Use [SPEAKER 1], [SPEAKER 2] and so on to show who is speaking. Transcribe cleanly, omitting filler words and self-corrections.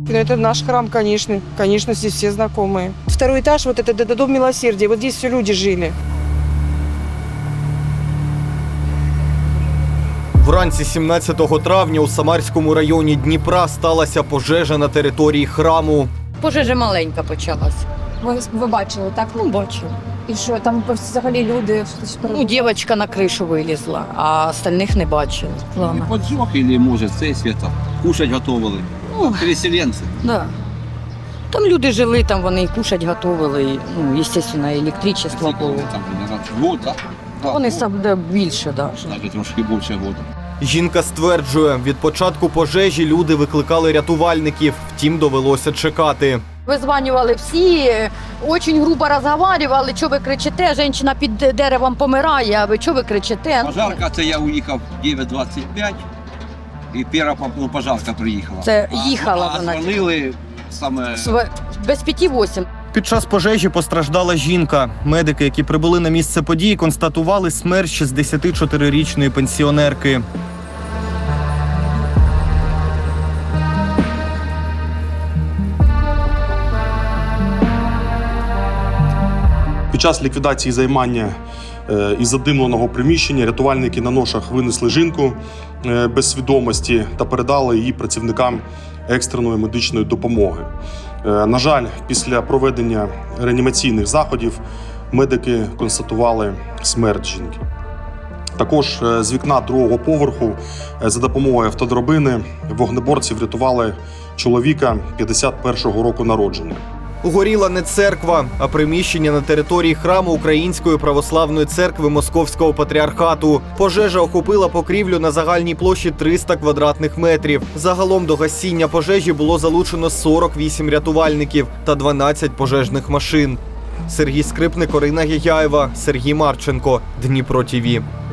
[SPEAKER 1] Это наш храм, конечно. Конечно, здесь все знакомые. Второй этаж, вот это дом милосердия. Вот здесь все люди жили.
[SPEAKER 2] Вранці 17 травня у Самарському районі Дніпра сталася пожежа на території храму.
[SPEAKER 3] Пожежа маленька почалась.
[SPEAKER 4] Ви бачили, так?
[SPEAKER 3] Ну, бачу.
[SPEAKER 4] І що, там взагалі люди...
[SPEAKER 3] Ну, дівчинка на кришу вилізла, а остальних не бачили. Ладно.
[SPEAKER 5] Поджог или, может, цей света? Кушать готовили. Ну, переселенці.
[SPEAKER 3] Да. Там люди жили, там вони і кушать готували, і, ну, звісно, електричество було.
[SPEAKER 5] Там, год, так?
[SPEAKER 3] Вони сам де більше, да.
[SPEAKER 5] Навіть трошки більше года.
[SPEAKER 2] Жінка стверджує, від початку пожежі люди викликали рятувальників, втім довелося чекати.
[SPEAKER 3] Визванювали всі, дуже грубо розмовляли, що ви кричите, жінка під деревом помирає, а ви що ви кричите?
[SPEAKER 5] Пожарка, це я уїхав 9:25, і перша пожарка приїхала.
[SPEAKER 3] Це їхала
[SPEAKER 5] А
[SPEAKER 3] вона.
[SPEAKER 5] дзвонили саме...
[SPEAKER 3] Без 5-8.
[SPEAKER 2] Під час пожежі постраждала жінка. Медики, які прибули на місце події, констатували смерть 64-річної пенсіонерки.
[SPEAKER 6] Під час ліквідації займання із задимленого приміщення рятувальники на ношах винесли жінку без свідомості та передали її працівникам екстреної медичної допомоги. На жаль, після проведення реанімаційних заходів медики констатували смерть жінки. Також з вікна другого поверху за допомогою автодрабини вогнеборці врятували чоловіка 51-го року народження.
[SPEAKER 2] Горіла не церква, а приміщення на території храму Української православної церкви Московського патріархату. Пожежа охопила покрівлю на загальній площі 300 квадратних метрів. Загалом до гасіння пожежі було залучено 48 рятувальників та 12 пожежних машин. Сергій Скрипник, Орина Гігяєва, Сергій Марченко. Дніпро ТІВІ.